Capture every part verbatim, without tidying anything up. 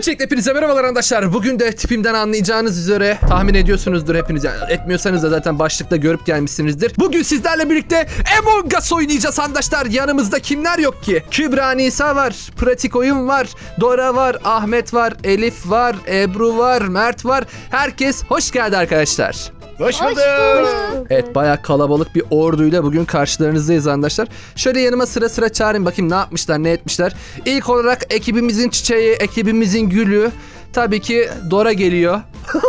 Öncelikle hepinize merhabalar arkadaşlar. Bugün de tipimden anlayacağınız üzere tahmin ediyorsunuzdur hepiniz. Yani etmiyorsanız da zaten başlıkta görüp gelmişsinizdir. Bugün sizlerle birlikte Among Us oynayacağız arkadaşlar. Yanımızda kimler yok ki? Kübra Nisa var, Pratik Oyun var, Dora var, Ahmet var, Elif var, Ebru var, Mert var. Herkes hoş geldi arkadaşlar. Hoş bulduk. Evet, bayağı kalabalık bir orduyla bugün karşılarınızdayız arkadaşlar. Şöyle yanıma sıra sıra çağırayım bakayım ne yapmışlar, ne etmişler. İlk olarak ekibimizin çiçeği, ekibimizin gülü. Tabii ki Dora geliyor.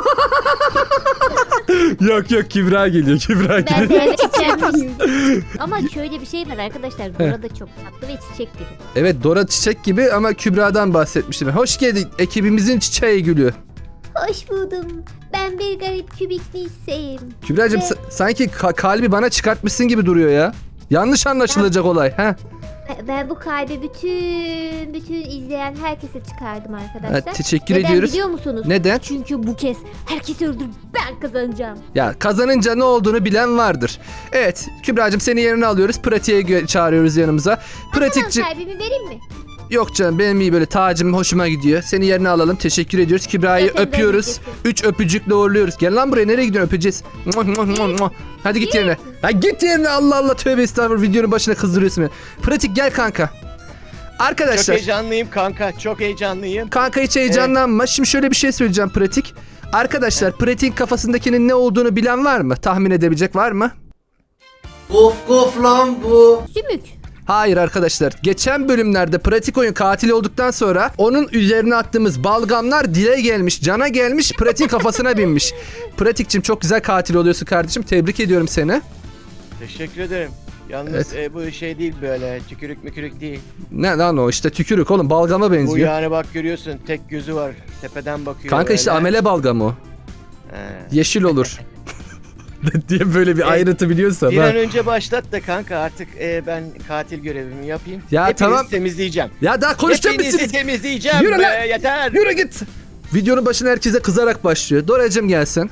Yok yok, Kübra geliyor, Kübra Ben geliyor. de çiçeğim. Ama şöyle bir şey var arkadaşlar. Dora da çok tatlı ve çiçek gibi. Evet, Dora çiçek gibi ama Kübra'dan bahsetmiştim. Hoş geldin ekibimizin çiçeği gülü. Hoş buldum. Ben bir garip kübik Nisa'yım. Kübra'cığım Evet. sa- sanki ka- kalbi bana çıkartmışsın gibi duruyor ya. Yanlış anlaşılacak olay. He. Ben bu kalbi bütün bütün izleyen herkese çıkardım arkadaşlar. Evet, teşekkür Neden ediyoruz. biliyor musunuz? Neden? Çünkü bu kez herkesi öldürüp ben kazanacağım. Ya kazanınca ne olduğunu bilen vardır. Evet, Kübra'cığım seni yerine alıyoruz. Pratik'e gö- çağırıyoruz yanımıza. Pratikçi... Tamam, kalbimi vereyim mi? Yok canım, benim iyi böyle tacım hoşuma gidiyor. Seni yerine alalım. Teşekkür ediyoruz. Kübra'yı Zaten öpüyoruz. beğeneceksin. Üç öpücükle uğurluyoruz. Gel lan buraya, nereye gidiyorsun, öpeceğiz. Muah, muah, muah, muah. Hadi git yerine. Ha, git yerine, Allah Allah, tövbe estağfurullah, videonun başına kızdırıyorsun beni. Pratik gel kanka. Çok Arkadaşlar. heyecanlıyım kanka. Çok heyecanlıyım. Kanka hiç heyecanlanma. Şimdi şöyle bir şey söyleyeceğim Pratik. Arkadaşlar, Pratik'in kafasındakinin ne olduğunu bilen var mı? Tahmin edebilecek var mı? Of of lan bu. Sümük. Hayır arkadaşlar. Geçen bölümlerde Pratik Oyun katil olduktan sonra onun üzerine attığımız balgamlar dile gelmiş, cana gelmiş, Pratik'in kafasına binmiş. Pratik'cim çok güzel katil oluyorsun kardeşim. Tebrik ediyorum seni. Teşekkür ederim. Yalnız Evet. e, bu şey değil böyle tükürük mükürük değil. Ne lan o, işte tükürük oğlum, balgama Bu benziyor. yani bak görüyorsun tek gözü var. Tepeden bakıyor. Kanka işte böyle. amele balgamı o. He. Yeşil olur. diye böyle bir Evet. ayrıntı biliyorsan. Bir ha. an önce başlat da kanka artık e, ben katil görevimi yapayım. Ya Hepinizi tamam. temizleyeceğim. Ya daha konuşacak Hepinizi mısınız? temizleyeceğim Yürü be, lan. yeter. Yürü git. Videonun başına herkese kızarak başlıyor. Dora'cığım gelsin.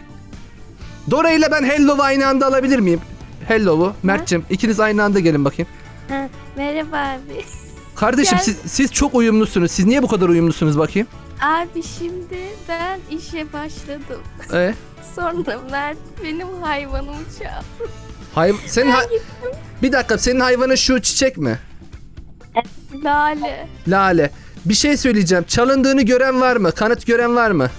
Dora ile ben Hello'u aynı anda alabilir miyim? Hello'u. Mert'cim ikiniz aynı anda gelin bakayım. Ha, merhaba abi. Kardeşim Gel. siz, siz çok uyumlusunuz. Siz niye bu kadar uyumlusunuz bakayım? Abi şimdi ben işe başladım. Ee, Sonra Mert benim hayvanımı çaldı. hay senin ha- bir dakika, senin hayvanın şu çiçek mi? Lale. Lale. Bir şey söyleyeceğim. Çalındığını gören var mı? Kanıt gören var mı?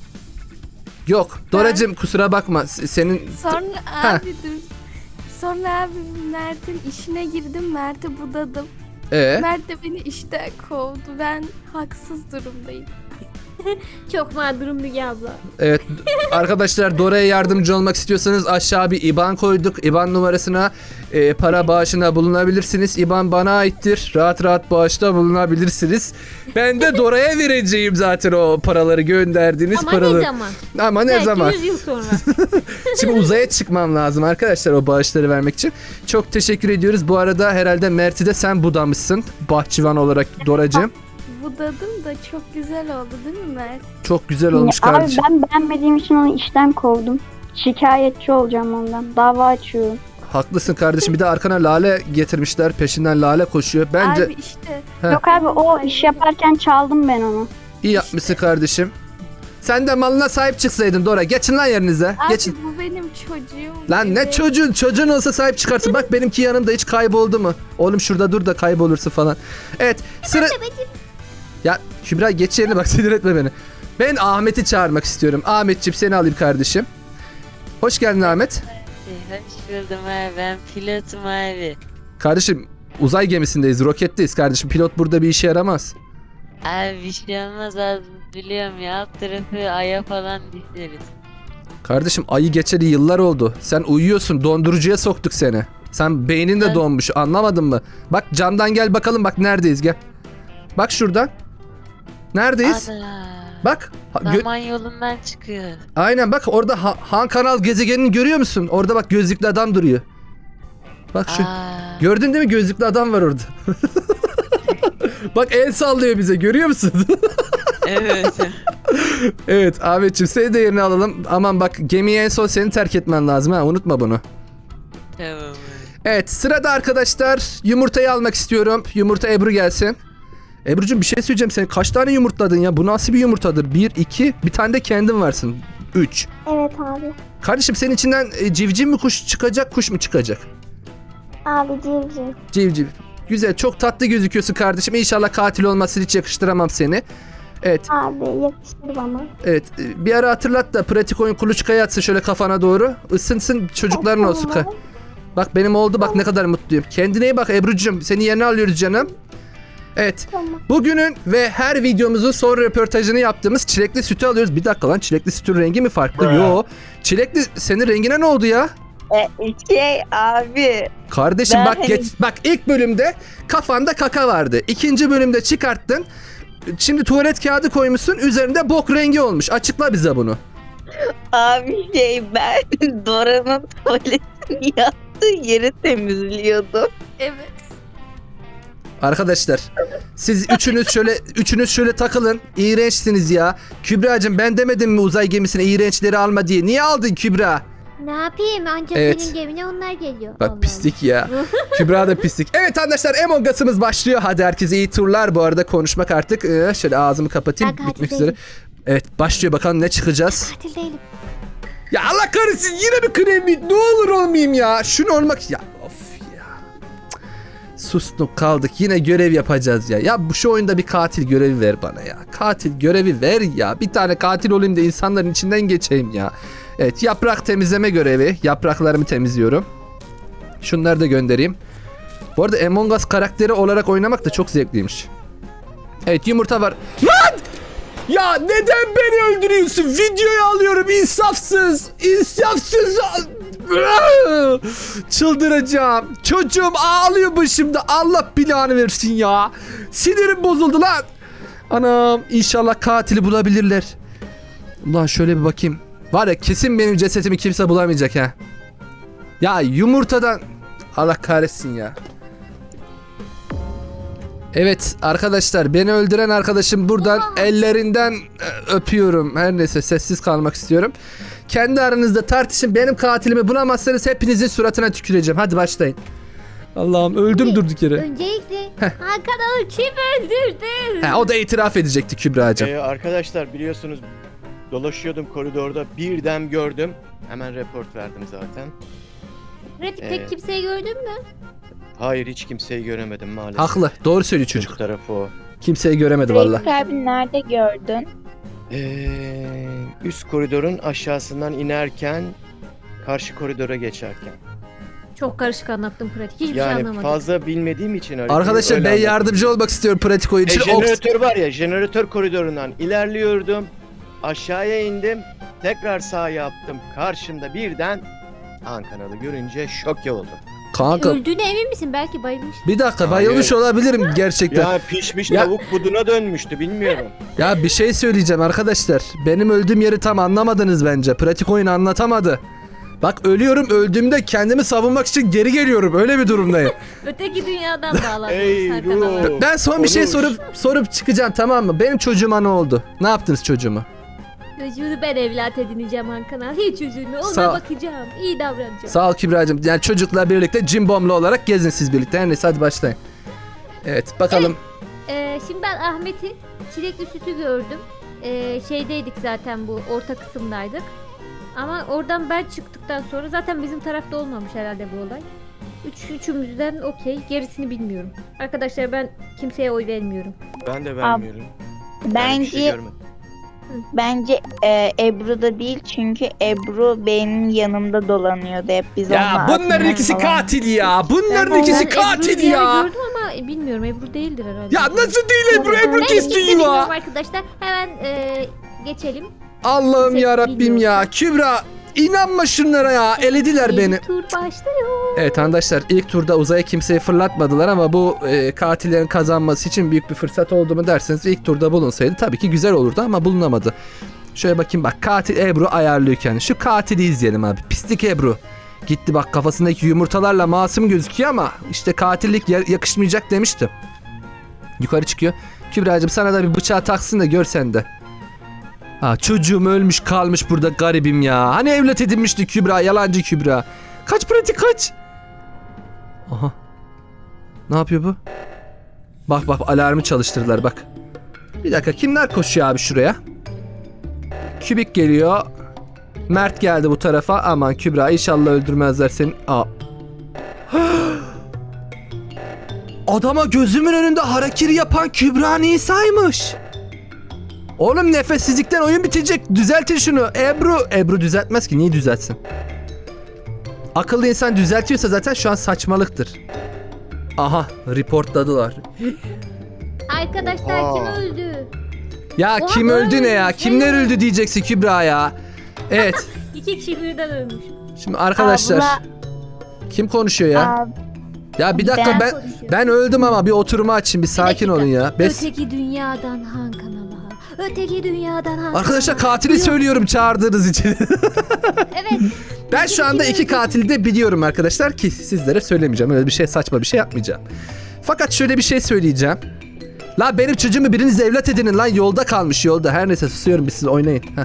Yok. Doracığım kusura bakma. S- Senin Sonra Ha. abi dur. Sonra abi Mert'in işine girdim. Mert'i budadım. ee, Mert de beni işten kovdu. Ben haksız durumdayım. Çok mağdurum Müge abla. evet arkadaşlar, Dora'ya yardımcı olmak istiyorsanız aşağı bir IBAN koyduk. IBAN numarasına e, para bağışına bulunabilirsiniz. IBAN bana aittir. Rahat rahat bağışta bulunabilirsiniz. Ben de Dora'ya vereceğim zaten o paraları, gönderdiğiniz Ama paraları. ne zaman? Ama ne Belki zaman? yüz yıl sonra. Şimdi uzaya çıkmam lazım arkadaşlar o bağışları vermek için. Çok teşekkür ediyoruz. Bu arada herhalde Mert'i de sen budamışsın. Bahçıvan olarak Doracığım. Budadım da çok güzel oldu değil mi Mert? Çok güzel olmuş Abi kardeşim. ben beğenmediğim için onu işten kovdum. Şikayetçi olacağım ondan. Dava açıyorum. Haklısın kardeşim. Bir de arkana lale getirmişler. Peşinden lale koşuyor. Bence Abi işte. Heh. Yok abi o iş yaparken çaldım ben onu. iyi yapmışsın kardeşim. Sen de malına sahip çıksaydın Dora. Geçin lan yerinize. Abi Geçin. bu benim çocuğum. Lan ne gibi. çocuğun? Çocuğun olsa sahip çıkarsın. Bak benimki yanımda, hiç kayboldu mu? Oğlum şurada dur da kaybolursun falan. Evet sıra... Ya Kübra geç yerine bak, sinir etme beni. Ben Ahmet'i çağırmak istiyorum. Ahmetciğim seni alayım kardeşim. Hoş geldin Ahmet. Hoş buldum abi, ben pilotum abi. Kardeşim uzay gemisindeyiz, roketteyiz kardeşim. Pilot burada bir işe yaramaz. Abi bir şey olmaz abi, biliyorum ya, alt tarafı aya falan düşeriz. Kardeşim ayı geçeli yıllar oldu. Sen uyuyorsun, dondurucuya soktuk seni. Sen beynin de Ben- donmuş, anlamadın mı? Bak camdan gel bakalım, bak neredeyiz, gel. Bak şuradan. Neredeyiz? Ana, Bak. ha- gö- zaman yolundan çıkıyor. Aynen bak orada ha- Han Kanal gezegenini görüyor musun? Orada bak gözlüklü adam duruyor. Bak şu. Aa, Gördün değil mi, gözlüklü adam var orada. Bak el sallıyor bize, görüyor musun? evet. Evet Ahmetciğim seni de yerine alalım. Aman bak, gemiyi en son senin terk etmen lazım ha, unutma bunu. Tamam abi. Evet sırada arkadaşlar yumurtayı almak istiyorum. Yumurta Ebru gelsin. Ebru'cum bir şey söyleyeceğim. Sen kaç tane yumurtladın ya? Bu nasıl bir yumurtadır? Bir, iki. Bir tane de kendin varsın. Üç. Evet abi. Kardeşim senin içinden e, civciv mi kuş çıkacak, kuş mu çıkacak? Abi civciv. Civciv. Güzel, çok tatlı gözüküyorsun kardeşim. İnşallah katil olmasın, hiç yakıştıramam seni. Evet, Abi yakıştır bana. evet. e, Bir ara hatırlat da pratik oyun kuluçkaya atsın şöyle kafana doğru. Isınsın, çocukların olsun. Ka- Bak benim oldu, bak ne kadar mutluyum. Kendine iyi bak Ebru'cum. Seni yerine alıyoruz canım. Evet. Tamam. Bugünün ve her videomuzun son röportajını yaptığımız çilekli sütü alıyoruz. Bir dakika lan, çilekli sütün rengi mi farklı? Yo. Çilekli senin rengine ne oldu ya? E, şey abi Kardeşim Ben bak hani- geç, bak ilk bölümde kafanda kaka vardı. İkinci bölümde çıkarttın. Şimdi tuvalet kağıdı koymuşsun. Üzerinde bok rengi olmuş. Açıkla bize bunu. abi şey ben Dora'nın tuvaletini yaptığı yeri temizliyordum. Evet. Arkadaşlar siz üçünüz şöyle üçünüz şöyle takılın. İğrençsiniz ya. Kübra'cığım ben demedim mi uzay gemisine iğrençleri alma diye. Niye aldın Kübra? Ne yapayım? Ancak Evet. senin gemine onlar geliyor. Bak Allah pislik ya. Kübra da pislik. Evet arkadaşlar Among Us'ımız başlıyor. Hadi herkese iyi turlar. Bu arada konuşmak artık. Ee, şöyle ağzımı kapatayım. Ben katil Bitmek değilim. üzere. Evet başlıyor, bakalım ne çıkacağız. Katil değilim. Ya Allah kahretsin, yine bir kremi. Ne olur olmayayım ya. Şunu olmak ya. Of ya. Cık. Sustuk kaldık. Yine görev yapacağız ya. Ya bu şu oyunda bir katil görevi ver bana ya. Katil görevi ver ya. Bir tane katil olayım da insanların içinden geçeyim ya. Evet, yaprak temizleme görevi. Yapraklarımı temizliyorum. Şunları da göndereyim. Bu arada Among Us karakteri olarak oynamak da çok zevkliymiş. Evet, yumurta var. Lan! Ya neden beni öldürüyorsun? Videoyu alıyorum, insafsız. İnsafsız. Çıldıracağım. Çocuğum ağlıyor başımda. Allah bilanı versin ya. Sinirim bozuldu lan. Anam, inşallah katili bulabilirler. Ulan şöyle bir bakayım. Var ya, kesin benim cesetimi kimse bulamayacak ha. Ya yumurtadan. Allah kahretsin ya. Evet arkadaşlar, beni öldüren arkadaşım buradan ellerinden e, öpüyorum. Her neyse, sessiz kalmak istiyorum. Kendi aranızda tartışın. Benim katilimi bulamazsanız hepinizin suratına tüküreceğim. Hadi başlayın. Allah'ım, öldüm durduk yere. Öncelikle Hakan'ı kim öldürdü? Ha, o da itiraf edecekti Kübra'cığım. Ee, arkadaşlar biliyorsunuz dolaşıyordum koridorda, birden gördüm. Hemen report verdim zaten. Pratik Ee, pek kimseyi gördün mü? Hayır, hiç kimseyi göremedim maalesef. Haklı. Doğru söylüyor Çocuk çocuk. tarafı o. Kimseyi göremedi valla. Reis abi nerede gördün? Ee, üst koridorun aşağısından inerken, karşı koridora geçerken. Çok karışık anlattım pratik. Hiçbir şey Yani anlamadım. fazla bilmediğim için haritayı Arkadaşlar öyle ben anlattım. yardımcı olmak istiyorum pratik oyun E, için. Oks- jeneratör var ya, jeneratör koridorundan ilerliyordum. Aşağıya indim. Tekrar sağ yaptım. Karşımda birden Han kanalı görünce şok oldum. Kanka Öldüğüne emin misin? Belki bayılmış. bir dakika, Hayır. bayılmış olabilirim gerçekten. Ya, Ya pişmiş Ya- tavuk buduna dönmüştü, bilmiyorum. bir şey söyleyeceğim arkadaşlar. Benim öldüğüm yeri tam anlamadınız bence. Pratik oyun anlatamadı. Bak ölüyorum, öldüğümde kendimi savunmak için geri geliyorum. Öyle bir durumdayım. Öteki dünyadan bağlanmış Ey Hakan ruh. abi. Ben son bir şey Konuş. sorup sorup çıkacağım, tamam mı? Benim çocuğuma ne oldu? Ne yaptınız çocuğuma? Çocuğunu ben evlat edineceğim Hakan abi. Hiç üzülme. Ona Sağ- bakacağım. İyi davranacağım. Sağ ol Kübra'cığım. Yani çocukla birlikte cimbomlu olarak gezin siz birlikte. Her neyse, hadi başlayın. Evet bakalım. Ee, şimdi ben Ahmet'i çilekli sütü gördüm. Ee, şeydeydik zaten, bu orta kısımdaydık. Ama oradan ben çıktıktan sonra zaten bizim tarafta olmamış herhalde bu olay. Üç, üçümüzden okey. Gerisini bilmiyorum. Arkadaşlar ben kimseye oy vermiyorum. Ben de vermiyorum. Ben bir Bence şey görmedim. bence e, Ebru da değil çünkü Ebru benim yanımda dolanıyordu hep biz Ya onunla bunların atmaya ikisi falan. katil ya. Bunların Ben- ikisi Ben Ebru'yu katil bir yere ya. gördüm ama bilmiyorum, Ebru değildir herhalde. Ya nasıl değil Ebru? Ebru Ben kesti kimse bilmiyorum ya. arkadaşlar. Hemen e, geçelim. Allah'ım Kimse ya Rabbim bilmiyor. ya. Kübra inanma şunlara ya. Elediler beni. Yeni tur başlıyor. Evet arkadaşlar, ilk turda uzaya kimseyi fırlatmadılar ama bu e, katillerin kazanması için büyük bir fırsat oldu mu derseniz ilk turda bulunsaydı tabii ki güzel olurdu ama bulunamadı. Şöyle bakayım, bak katil Ebru ayarlıyor kendini. Şu katili izleyelim abi. Pislik Ebru. Gitti bak, kafasındaki yumurtalarla masum gözüküyor ama işte katillik ya- yakışmayacak demiştim. Yukarı çıkıyor. Kübra'cığım sana da bir bıçağı taksın da gör sen de. Ha, çocuğum ölmüş kalmış burada, garibim ya. Hani evlat edinmişti Kübra, yalancı Kübra. Kaç pratik kaç. Aha. Ne yapıyor bu? Bak bak alarmı çalıştırdılar bak. Bir dakika kimler koşuyor abi şuraya? Kübik geliyor. Mert geldi bu tarafa. Aman Kübra inşallah öldürmezler seni. Aa. Adama gözümün önünde harakiri yapan Kübra Nisa'ymış. Oğlum nefessizlikten oyun bitecek. Düzeltin şunu. Ebru. Ebru düzeltmez ki. Niye düzeltsin? Akıllı insan düzeltiyorsa zaten şu an saçmalıktır. Aha reportladılar. Arkadaşlar Aa. kim öldü? Ya Oha, kim öldü ne ya? ölmüş. Kimler öldü diyeceksin Kübra ya. Evet. İki kişi birden ölmüş. Şimdi arkadaşlar. Abla, Kim konuşuyor ya? ab- Ya bir dakika Ben ben konuşuyor. ben öldüm ama bir oturumu açın bir sakin dakika. olun ya. Bes Öteki dünyadan Han kanala. Öteki dünyadan Han Arkadaşlar kanala. katili Yok. söylüyorum çağırdığınız için. Evet. Ben şu anda iki katili de biliyorum arkadaşlar ki sizlere söylemeyeceğim. Öyle bir şey saçma bir şey yapmayacağım. Fakat şöyle bir şey söyleyeceğim. La benim çocuğumu biriniz evlat edinin lan yolda kalmış yolda. Her neyse susuyorum biz siz oynayın. Heh.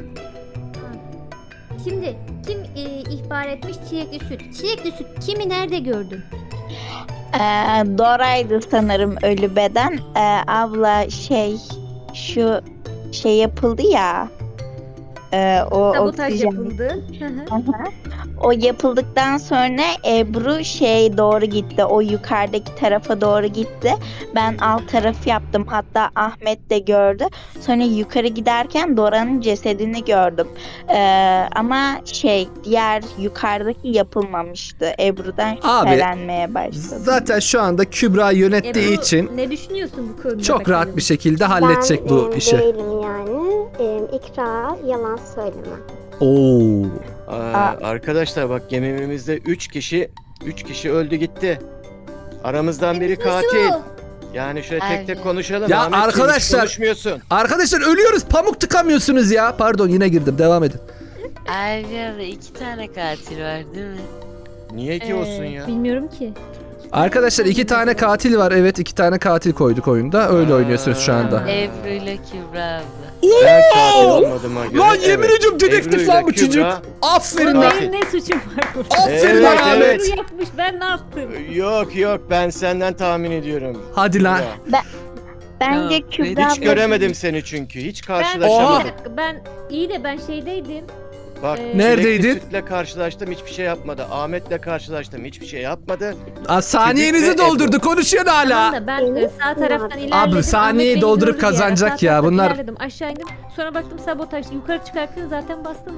Şimdi kim e, ihbar etmiş çilekli süt? Çilekli süt kimi nerede gördün? Ee, Dora'ydı sanırım ölü beden. Ee, abla şey şu şey yapıldı ya. Ee, o Sabotaj oksijen. yapıldı. Hı hı. Aha. O yapıldıktan sonra Ebru şey doğru gitti. O yukarıdaki tarafa doğru gitti. Ben alt tarafı yaptım. Hatta Ahmet de gördü. Sonra yukarı giderken Dora'nın cesedini gördüm. Ee, ama şey diğer yukarıdaki yapılmamıştı. Ebru'dan Abi, şüphelenmeye başladım. Zaten şu anda Kübra yönettiği Ebru, için ne düşünüyorsun bu konuda? çok bakalım? rahat bir şekilde halledecek bu ben, e, işi. değilim yani. E, ikra yalan söyleme. Oo. Aa, arkadaşlar bak gemimizde üç kişi üç kişi öldü gitti. Aramızdan biri katil. Yani şöyle tek tek Aynen. konuşalım. Ya Ahmetciğim, hiç arkadaşlar- konuşmuyorsun. Arkadaşlar ölüyoruz pamuk tıkamıyorsunuz ya. Pardon yine girdim devam edin. Abi abla iki tane katil var değil mi? Niye ki Ee, olsun ya? Bilmiyorum ki. Arkadaşlar iki tane katil var. Evet iki tane katil koyduk oyunda. Öyle Aa. oynuyorsunuz şu anda. Ebru ile Kübra abla. Ben katil olmadığıma göre. Lan yemin evet. ediyorum dedektif Ebru lan ile bu çocuk. Kübra- Aferin Ulan lan. ben- Benim ne suçum var burada? Aferin Evet, lan evet. Ahmet. Ebru yapmış ben ne yaptım? Yok yok ben senden tahmin ediyorum. Hadi lan. Ya, Bence Ya, Kübra hiç abla- göremedim seni çünkü. Hiç Ben, bir karşılaşamadık. dakika, ben iyi de ben şeydeydim. Bak Ee, Neredeydin? Çilekli Süt'le karşılaştım hiçbir şey yapmadı. Ahmet'le karşılaştım hiçbir şey yapmadı. Aa, saniyenizi Kübik ve doldurdu. Konuşuyor Tamam hala. da ben e, sağ taraftan ilerledim. Abla, saniyeyi Ahmet beni doldurup gördü bir ara. kazanacak Sağ ya, taraftan bunlar- ilerledim. Aşağı indim. Sonra baktım sabotaj. Yukarı çıkarken zaten bastım mı?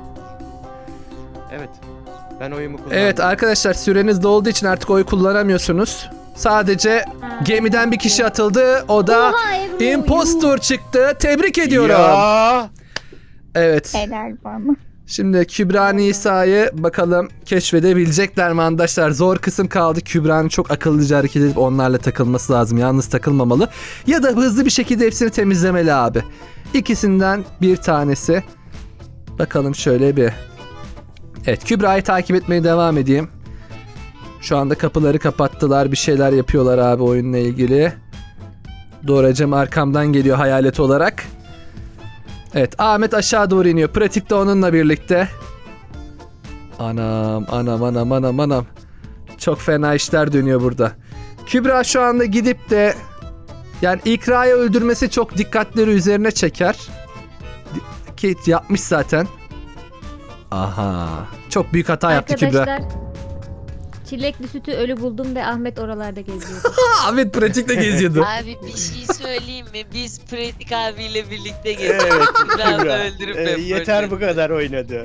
Evet. Ben oyumu kullandım. Evet arkadaşlar süreniz dolduğu için artık oy kullanamıyorsunuz. Sadece Ha. gemiden bir kişi atıldı. O da Oha Ebru. impostor çıktı. Tebrik ediyorum. Ya. Evet. Helal bana. Şimdi Kübra Nisa'yı bakalım keşfedebilecekler mi arkadaşlar? Zor kısım kaldı. Kübra'nın çok akıllıca hareket edip onlarla takılması lazım. Yalnız takılmamalı. Ya da hızlı bir şekilde hepsini temizlemeli abi. İkisinden bir tanesi. Bakalım şöyle bir. Evet Kübra'yı takip etmeye devam edeyim. Şu anda kapıları kapattılar. Bir şeyler yapıyorlar abi oyunla ilgili. Doracım arkamdan geliyor hayalet olarak. Evet Ahmet aşağı doğru iniyor. Pratikte onunla birlikte. Anam anam anam anam anam. Çok fena işler dönüyor burada. Kübra şu anda gidip de yani İkra'yı öldürmesi çok dikkatleri üzerine çeker. Ki yapmış zaten. Aha. Çok büyük hata yaptı Kübra. Arkadaşlar çilekli sütü ölü buldum ve Ahmet oralarda geziyordu. Ahmet pratikte geziyordu. Abi bir şey söyleyeyim mi? Biz Pratik abiyle birlikte gezdik. Evet Kübra abla Kübra. öldürüp Ee, hep yeter bu kadar oynadı.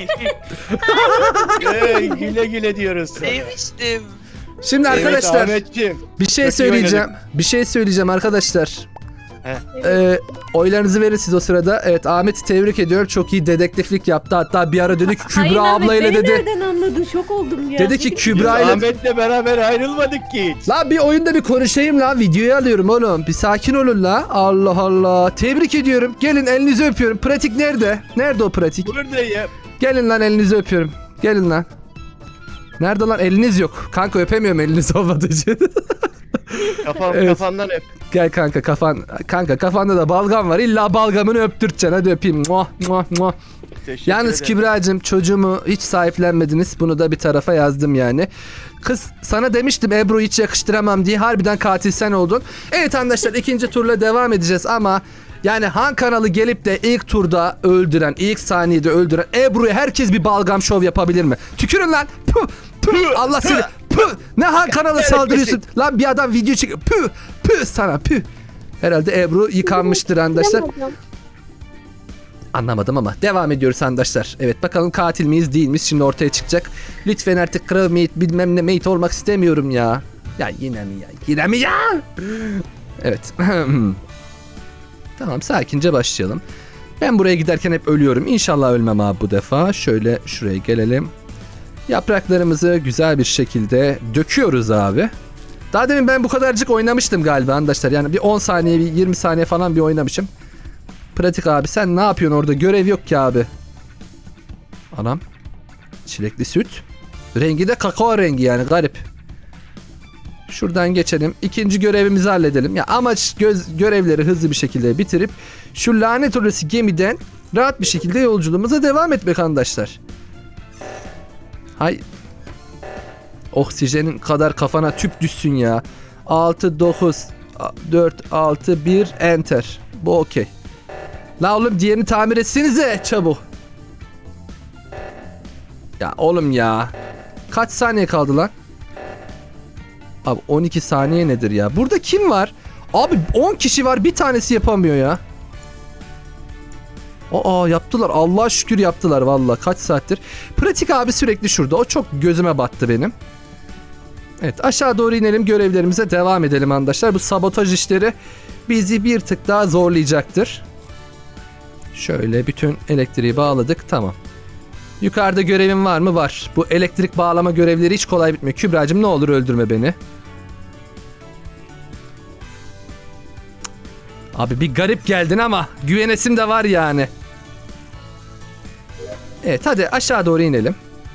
ee, güle güle diyoruz sana. Demiştim. Şimdi Evet arkadaşlar Ahmetciğim. bir şey Çok iyi söyleyeceğim. Bir şey söyleyeceğim arkadaşlar. Heh. Ee, oylarınızı verin siz o sırada. Evet Ahmet'i tebrik ediyorum. Çok iyi dedektiflik yaptı. Hatta bir ara dedi ki Hayır, Kübra Ahmet, ablayla beni dedi. nereden anladın? Şok oldum ya. Dedi ki Biz Kübra ile. Ahmet'le beraber ayrılmadık ki hiç. La bir oyunda bir konuşayım la. Videoyu alıyorum oğlum. Bir sakin olun la. Allah Allah. Tebrik ediyorum. Gelin elinizi öpüyorum. Pratik nerede? Nerede o pratik? Buradayım. Gelin lan elinizi öpüyorum. Gelin lan. Nerede lan? Eliniz yok. Kanka öpemiyorum eliniz olmadığı için. Kafam, Evet. Kafamdan öp. Gel kanka kafan kanka kafanda da balgam var. İlla balgamını öptürteceksin. Hadi öpeyim. Muah, muah, muah. Teşekkür Yalnız ederim. Kübra'cığım çocuğumu hiç sahiplenmediniz. Bunu da bir tarafa yazdım yani. Kız sana demiştim Ebru'yu hiç yakıştıramam diye. Harbiden katil sen oldun. Evet arkadaşlar ikinci turla devam edeceğiz ama yani Han kanalı gelip de ilk turda öldüren, ilk saniyede öldüren Ebru'ya herkes bir balgam şov yapabilir mi? Tükürün lan. Puh, puh, Allah seni. Puh. Ne Han kanalı saldırıyorsun? Lan bir adam video çekiyor. Puh, puh sana puh. Herhalde Ebru yıkanmıştır arkadaşlar. Anlamadım ama devam ediyoruz arkadaşlar. Evet bakalım katil miyiz değil miyiz şimdi ortaya çıkacak. Lütfen artık Crow Mate bilmem ne Mate olmak istemiyorum ya. Ya yine mi ya? Yine mi ya? Evet. Tamam sakince başlayalım. Ben buraya giderken hep ölüyorum. İnşallah ölmem abi bu defa. Şöyle şuraya gelelim. Yapraklarımızı güzel bir şekilde döküyoruz abi. Daha demin ben bu kadarcık oynamıştım galiba arkadaşlar. Yani bir on saniye, bir yirmi saniye falan bir oynamışım. Pratik abi sen ne yapıyorsun orada? Görev yok ki abi. Anam. Çilekli süt. Rengi de kakao rengi yani garip. Şuradan geçelim. İkinci görevimizi halledelim. Ya amaç göz, görevleri hızlı bir şekilde bitirip şu lanet orası gemiden rahat bir şekilde yolculuğumuza devam etmek arkadaşlar. Hay. Oksijenin kadar kafana tüp düşsün ya. altı, dokuz, dört, altı, bir, enter. Bu okey. La oğlum diğerini tamir etsenize çabuk. Ya oğlum ya. Kaç saniye kaldı lan? Abi on iki saniye nedir ya? Burada kim var? Abi on kişi var bir tanesi yapamıyor ya. Aa yaptılar. Allah'a şükür yaptılar valla. Kaç saattir. Pratik abi sürekli şurada. O çok gözüme battı benim. Evet aşağı doğru inelim. Görevlerimize devam edelim arkadaşlar. Bu sabotaj işleri bizi bir tık daha zorlayacaktır. Şöyle bütün elektriği bağladık. Tamam. Yukarıda görevim var mı? Var. Bu elektrik bağlama görevleri hiç kolay bitmiyor. Kübra'cığım ne olur öldürme beni. Abi bir garip geldin ama güvenesim de var yani. Evet hadi aşağı doğru inelim.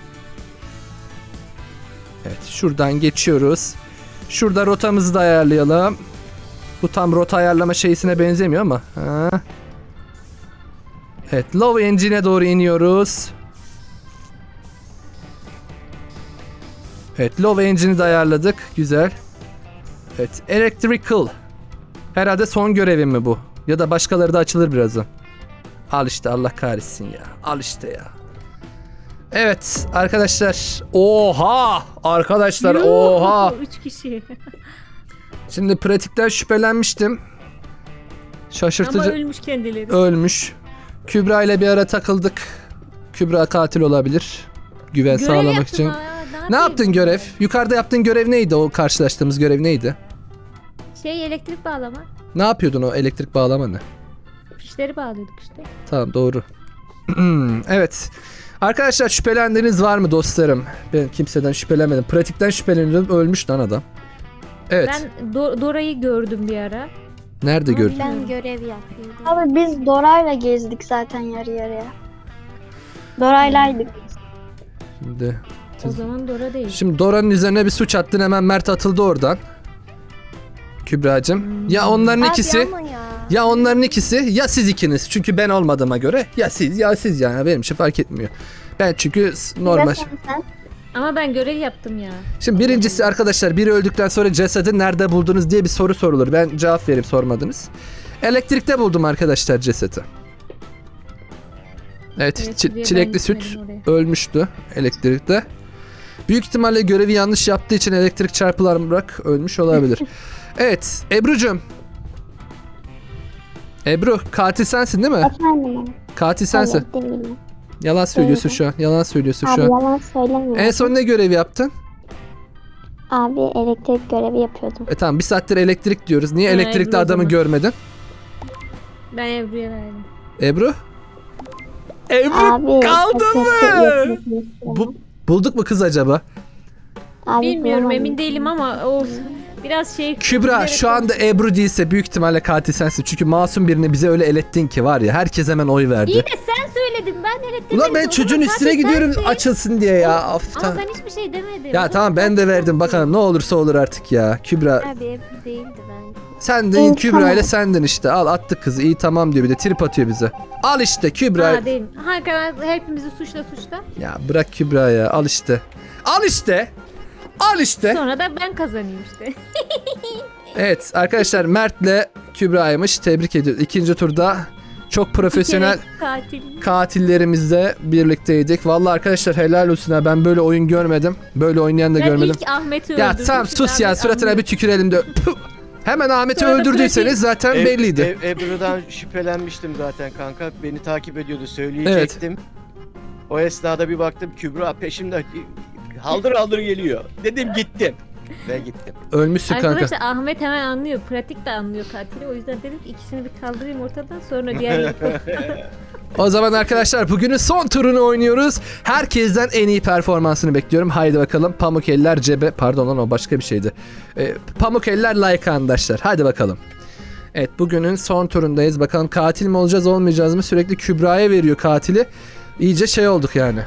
Evet şuradan geçiyoruz. Şurada rotamızı da ayarlayalım. Bu tam rota ayarlama şeysine benzemiyor ama. Ha. Evet Low Engine'e doğru iniyoruz. Evet Low Engine'i de ayarladık. Güzel. Evet Electrical. Herhalde son görevim mi bu? Ya da başkaları da açılır birazdan. Al işte Allah kahretsin ya. Al işte ya. Evet arkadaşlar. Oha! Arkadaşlar Yuh, oha! Üç kişi. Şimdi pratikten şüphelenmiştim. Şaşırtıcı. Ama ölmüş kendileri. Ölmüş. Kübra ile bir ara takıldık. Kübra katil olabilir. Güven Görev sağlamak yaptım için. ha, Ne yapayım? yaptın görev? Yukarıda yaptığın görev neydi? O karşılaştığımız görev neydi? Şey elektrik bağlama. Ne yapıyordun o elektrik bağlama ne? Fişleri bağlıyorduk işte. Tamam doğru. Evet. Arkadaşlar şüphelendiğiniz var mı dostlarım? Ben kimseden şüphelenmedim. Pratikten şüpheleniyorum. Ölmüş lan adam. Evet. Ben Do- Dora'yı gördüm bir ara. Nerede gördün? Ben görev yapıyordum. Abi biz Dora'yla gezdik zaten yarı yarıya. Dora'ylaydık. Şimdi, O zaman Dora değil. şimdi Dora'nın üzerine bir suç attın. Hemen Mert atıldı oradan. Kübra'cığım. Hmm. Ya onların Abi ikisi. ama ya. Ya onların ikisi ya siz ikiniz. Çünkü ben olmadığıma göre ya siz ya siz yani benim için fark etmiyor. Ben çünkü s- normal. Ya sen, sen. Ama ben görev yaptım ya. Şimdi birincisi arkadaşlar biri öldükten sonra cesedi nerede buldunuz diye bir soru sorulur. Ben cevap vereyim sormadınız. Elektrikte buldum arkadaşlar cesedi. Evet, Evet, çi- diye ben çilekli süt gitmedim oraya. ölmüştü elektrikte. Büyük ihtimalle görevi yanlış yaptığı için elektrik çarpılarak ölmüş olabilir. Evet Ebru'cum. Ebru katil sensin değil mi? Efendim abi. Katil sensin. Evet, değilim. Yalan söylüyorsun Değilim. şu an. Yalan söylüyorsun Abi şu an. yalan söylemiyorum. En son ne görevi yaptın? Abi elektrik görevi yapıyordum. E tamam bir saattir elektrik diyoruz. Niye Ha, elektrikli Ebru o adamı zaman. görmedin? Ben Ebru'ya verdim. Ebru? Ebru Abi kaldın mı? elektrik yapıyordum. Bu, bulduk mu kız acaba? Abi, Bilmiyorum bulamadım. emin değilim ama o biraz şey... Kübra bilerek şu anda konuşuyor. Ebru değilse büyük ihtimalle katil sensin. Çünkü masum birini bize öyle elettin ki var ya herkes hemen oy verdi. İyi de sen söyledin ben elettim. Ulan ben çocuğun üstüne gidiyorum açılsın diye ya. Of, Ama tamam. ben hiçbir şey demedim. Ya tamam ben de verdim bakalım ne olursa olur artık ya. Kübra Abi Ebru değildi bence. Sendin İyi, Kübra ile tamam. sendin işte. Al attık kızı. İyi tamam diyor bir de trip atıyor bize. Al işte Kübra. Ha değil. Hakan hepimizi suçla suçla. Ya bırak Kübra ya. Al işte. Al işte. Al işte. Sonra da ben kazanayım işte. Evet arkadaşlar Mert'le Kübra'ymış. Tebrik ediyoruz. İkinci turda çok profesyonel Bir kere katil. katillerimizle birlikteydik. Vallahi arkadaşlar helal olsun ha. Ben böyle oyun görmedim. Böyle oynayan da Ben görmedim. ilk Ahmet'i Ya öldürdüm. tamam Şimdi sus ya Ahmet suratına anlıyor. bir tükürelim de. Puh! Hemen Ahmet'i Sonra da öldürdüyseniz pratik- zaten Eb- belliydi. Eb- Ebru'dan şüphelenmiştim zaten kanka. Beni takip ediyordu, söyleyecektim. O esnada bir baktım Kübra peşimde haldır haldır geliyor. Dedim gittim. Ve gittim. Ölmüşsün kanka. Arkadaşlar Ahmet hemen anlıyor. Pratik de anlıyor katili. O yüzden dedim ki ikisini bir kaldırayım ortadan sonra diğer O zaman arkadaşlar bugünün son turunu oynuyoruz. Herkesten en iyi performansını bekliyorum. Haydi bakalım. Pamuk eller cebe. Pardon lan o başka bir şeydi. Ee, pamuk eller like arkadaşlar. Haydi bakalım. Evet bugünün son turundayız. Bakalım katil mi olacağız olmayacağız mı? Sürekli Kübra'ya veriyor katili. İyice şey olduk yani.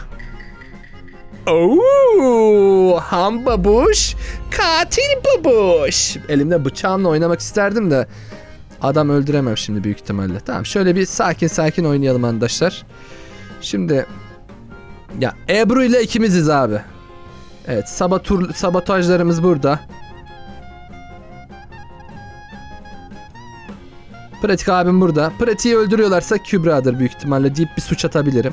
Ooo, ham babuş, katil babuş. Elimde bıçağımla oynamak isterdim de adam öldüremem şimdi büyük ihtimalle. Tamam şöyle bir sakin sakin oynayalım arkadaşlar. Şimdi ya Ebru ile ikimiziz abi. Evet sabotur, sabotajlarımız burada. Pratik abim burada. Pratiği öldürüyorlarsa Kübra'dır büyük ihtimalle deyip bir suç atabilirim.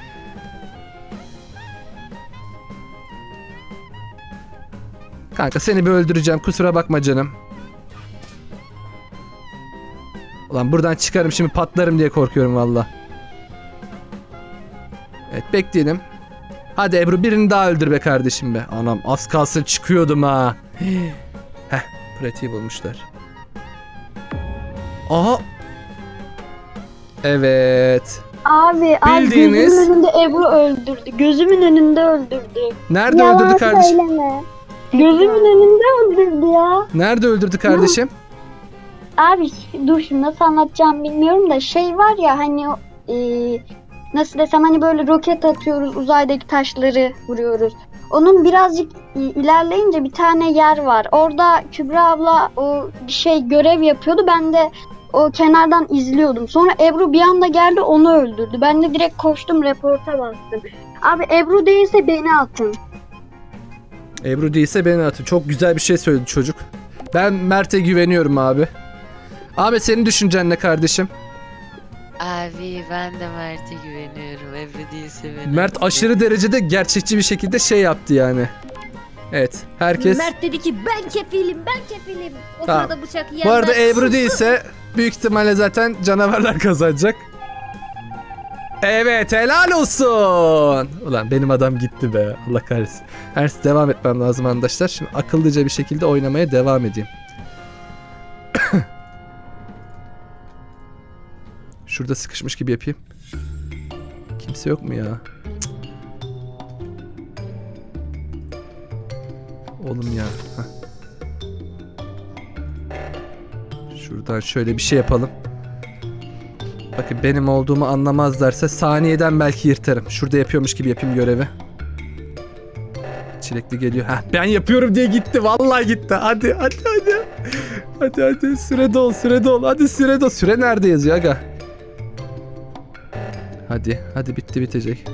Kanka seni bir öldüreceğim kusura bakma canım. Ulan buradan çıkarım şimdi patlarım diye korkuyorum valla. Evet bekleyelim. Hadi Ebru birini daha öldür be kardeşim be. Anam az kalsın çıkıyordum ha. Heh pratiği bulmuşlar. Aha. Evet. Abi, abi Bildiğiniz- gözümün önünde Ebru öldürdü. Gözümün önünde öldürdü. Nerede Yalan öldürdü kardeşim? söyleme. Gözümün önünde öldürdü ya. Nerede öldürdü kardeşim? Abi dur şimdi nasıl anlatacağım bilmiyorum da şey var ya hani o, e, nasıl desem hani böyle roket atıyoruz uzaydaki taşları vuruyoruz. Onun birazcık e, ilerleyince bir tane yer var. Orada Kübra abla o bir şey görev yapıyordu. Ben de o kenardan izliyordum. Sonra Ebru bir anda geldi onu öldürdü. Ben de direkt koştum reporta bastım. Abi Ebru değilse beni atın. Ebru değilse beni atın. Çok güzel bir şey söyledi çocuk. Ben Mert'e güveniyorum abi. Ahmet senin düşüncen ne kardeşim? Abi ben de Mert'e güveniyorum. Ebru değilse beni. Mert aşırı derecede gerçekçi bir şekilde şey yaptı yani. Evet herkes... Mert dedi ki ben kefilim ben kefilim. O Tamam. sırada bıçak yiyen Bu arada ben. Ebru değilse büyük ihtimalle zaten canavarlar kazanacak. Evet helal olsun. Ulan benim adam gitti be. Allah kahretsin. Her devam etmem lazım arkadaşlar. Şimdi akıllıca bir şekilde oynamaya devam edeyim. Şurada sıkışmış gibi yapayım. Kimse yok mu ya? Cık. Oğlum ya. Heh. Şuradan şöyle bir şey yapalım. Bakın benim olduğumu anlamazlarsa saniyeden belki yırtarım. Şurada yapıyormuş gibi yapayım görevi. Çilekli geliyor. Heh, ben yapıyorum diye gitti. Vallahi gitti. Hadi hadi hadi. Hadi hadi süre dol süre dol. Hadi süre dol. Süre nerede yazıyor aga? Hadi hadi bitti bitecek.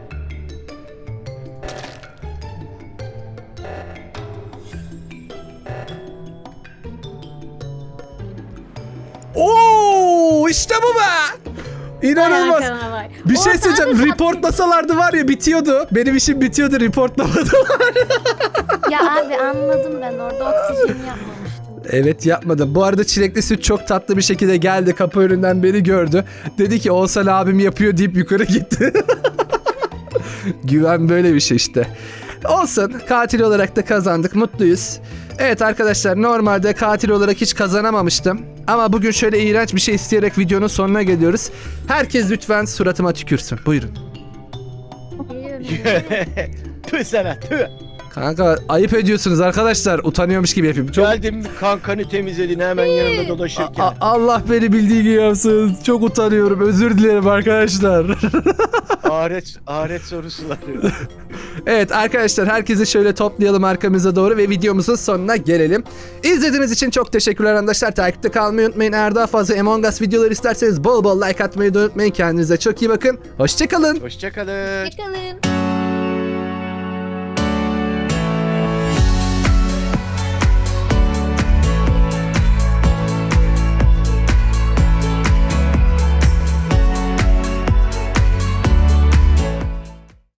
Oo işte bu be. İnanılmaz. Hakan var. Bir şey Orada söyleyeceğim. abi Reportlasalardı var ya bitiyordu. Benim işim bitiyordu reportlamadılar. Ya abi anladım ben orada oksijeni yapmamıştım. Evet yapmadım. Bu arada çilekli süt çok tatlı bir şekilde geldi. Kapı önünden beni gördü. Dedi ki Oğuzhan abim yapıyor deyip yukarı gitti. Güven böyle bir şey işte. Olsun. Katil olarak da kazandık. Mutluyuz. Evet arkadaşlar normalde katil olarak hiç kazanamamıştım. Ama bugün şöyle iğrenç bir şey isteyerek videonun sonuna geliyoruz. Herkes lütfen suratıma tükürsün. Buyurun. Tüh sana tüh. Kanka ayıp ediyorsunuz arkadaşlar. Utanıyormuş gibi yapayım. Çok... Geldim kankanı temizledin hemen yanımda dolaşırken. A- Allah beni bildiği gibi yapsın. Çok utanıyorum. Özür dilerim arkadaşlar. Ahiret, ahiret sorusuları. Evet arkadaşlar, herkesi şöyle toplayalım arkamıza doğru ve videomuzun sonuna gelelim. İzlediğiniz için çok teşekkürler arkadaşlar. Takipte kalmayı unutmayın. Eğer daha fazla Among Us videoları isterseniz bol bol like atmayı da unutmayın. Kendinize çok iyi bakın. Hoşçakalın. Hoşçakalın. Hoşçakalın.